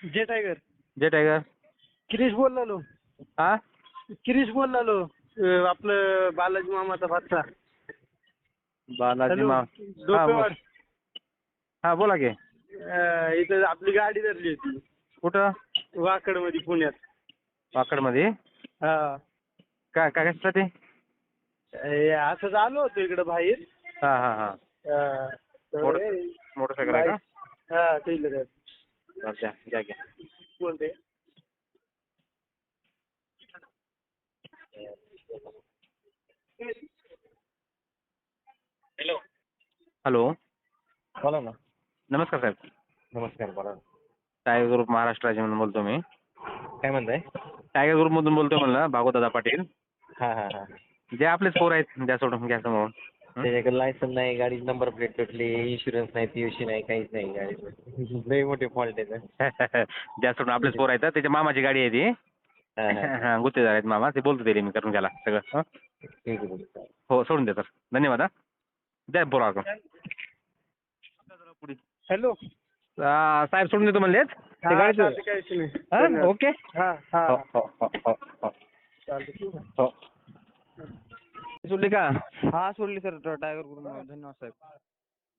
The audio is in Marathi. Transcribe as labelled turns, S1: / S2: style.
S1: जे टायगर.
S2: जे टायगर.
S1: किरीश बोललो.
S2: हा
S1: किरीश बोललो. आपलं बालाजी मामाचा भाचा.
S2: बालाजी
S1: हॅलो.
S2: मा हा
S1: डोपेवाड.
S2: हा बोला की.
S1: इथं आपली गाडी धरली होती
S2: कुठं?
S1: वाकडमध्ये पुण्यात.
S2: वाकडमध्ये.
S1: हा.
S2: काय काय कशासाठी?
S1: असंच आलो होतो इकडं बाहेर.
S2: हा हा हा मोटरसायकल आहे का?
S1: हा टेलर आहे.
S2: घ्या घ्या घ्या.
S1: कोणते? हॅलो.
S2: हॅलो.
S1: बोला ना.
S2: नमस्कार साहेब.
S1: नमस्कार. बोला.
S2: टायगर ग्रुप महाराष्ट्र राज्यामधून बोलतो मी.
S1: काय म्हणताय?
S2: टायगर ग्रुपमधून बोलतोय म्हणलं भागवतदादा पाटील.
S1: हा हा हा.
S2: जे आपलेच पोर आहेत द्या सोडून घ्या समोरून.
S1: त्याच्याकडे लायसन नाही, गाडी नंबर प्लेट तुटली, इन्शुरन्स नाही, पीयूसी नाही, काहीच नाही गाडीचं. लई मोठे फॉल्ट आहे.
S2: द्या सोडून आपलेच पोर आहेत. त्याच्या मामाची गाडी आहे ती. हा गुत्तेदार आहेत मामा. ते बोलतो ते मी करून घ्याला सगळं.
S1: ठीक आहे.
S2: हो सोडून द्या सर. धन्यवाद. हा द्या बोला.
S1: हॅलो.
S2: साहेब सोडून देतो म्हणलेत. ते गाडी ओके.
S1: हा हा.
S2: हो हो हो हो हो हो. सोडली का?
S1: हा सोडली सर टायगर करून. धन्यवाद साहेब.